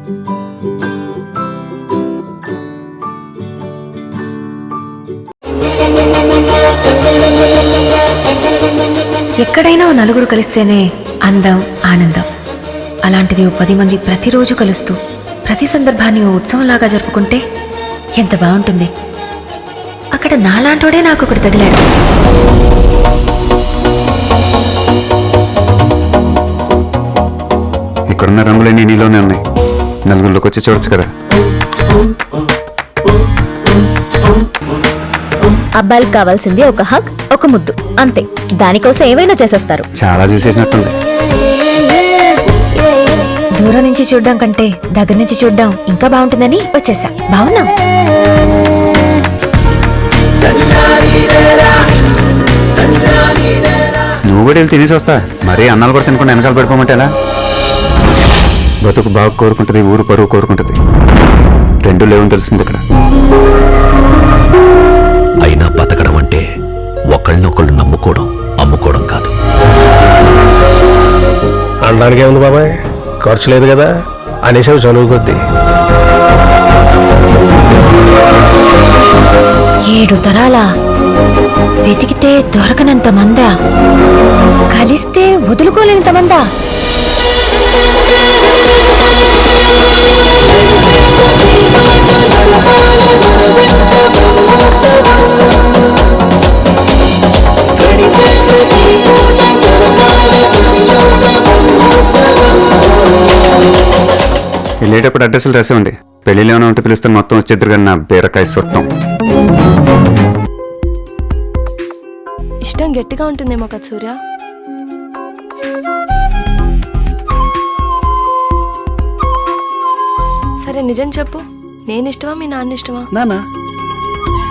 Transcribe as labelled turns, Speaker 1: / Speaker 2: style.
Speaker 1: ఎక్కడైనా నలుగురు కలిస్తేనే అందం, ఆనందం. అలాంటిది 10 మంది ప్రతిరోజు కలుస్తూ ప్రతి సందర్భాన్ని ఓ ఉత్సవంలాగా జరుపుకుంటే ఎంత బాగుంటుంది. అక్కడ నాలాంటోడే నాకు ఒకటి తగిలాడు.
Speaker 2: ఇక్కడున్న రంగులన్నీ నీలోనే ఉన్నాయి. నలుగురిలోకి వచ్చి చూడొచ్చు కదా.
Speaker 3: అబ్బాయిలకు కావాల్సింది ఒక హగ్, ఒక ముద్దు, అంతే. దానికోసం ఏమైనా చేసేస్తారు.
Speaker 2: చాలా చూసేసినట్టుంది.
Speaker 1: దూరం నుంచి చూడ్డం కంటే దగ్గర నుంచి చూడ్డం ఇంకా బాగుంటుందని వచ్చేసా. బాగున్నాం.
Speaker 2: నువ్వు కూడా వెళ్ళి తినేసి వస్తా. మరీ అన్నాలు కూడా తినకుండా వెనకాల పడిపోమంటే ఎలా? బతుకు బాగా కోరుకుంటుంది, ఊరు పరువు కోరుకుంటుంది. రెండు లేవని తెలుస్తుంది ఇక్కడ.
Speaker 4: అయినా బతకడం అంటే ఒకళ్ళనొకళ్ళు నమ్ముకోవడం, అమ్ముకోవడం కాదు.
Speaker 5: అనడానికి ఏముంది బాబాయ్, ఖర్చు లేదు కదా అనేసి చదువు కొద్ది.
Speaker 1: 7 తరాలా వెతికితే దొరకనంత మందా, కలిస్తే వదులుకోలేనంత మందా.
Speaker 2: వెళ్ళేటప్పుడు అడ్రస్లు రాసేవండి. పెళ్ళిలో ఏమైనా ఉంటే పిలుస్తాను, మొత్తం వచ్చేద్దరు కానీ నా బీరకాయ సుట్టం.
Speaker 6: ఇష్టం గట్టిగా ఉంటుందేమో కదా సూర్య. సరే నిజం చెప్పు, నేను ఇష్టమా మీ నాన్న ఇష్టమా?
Speaker 5: నానా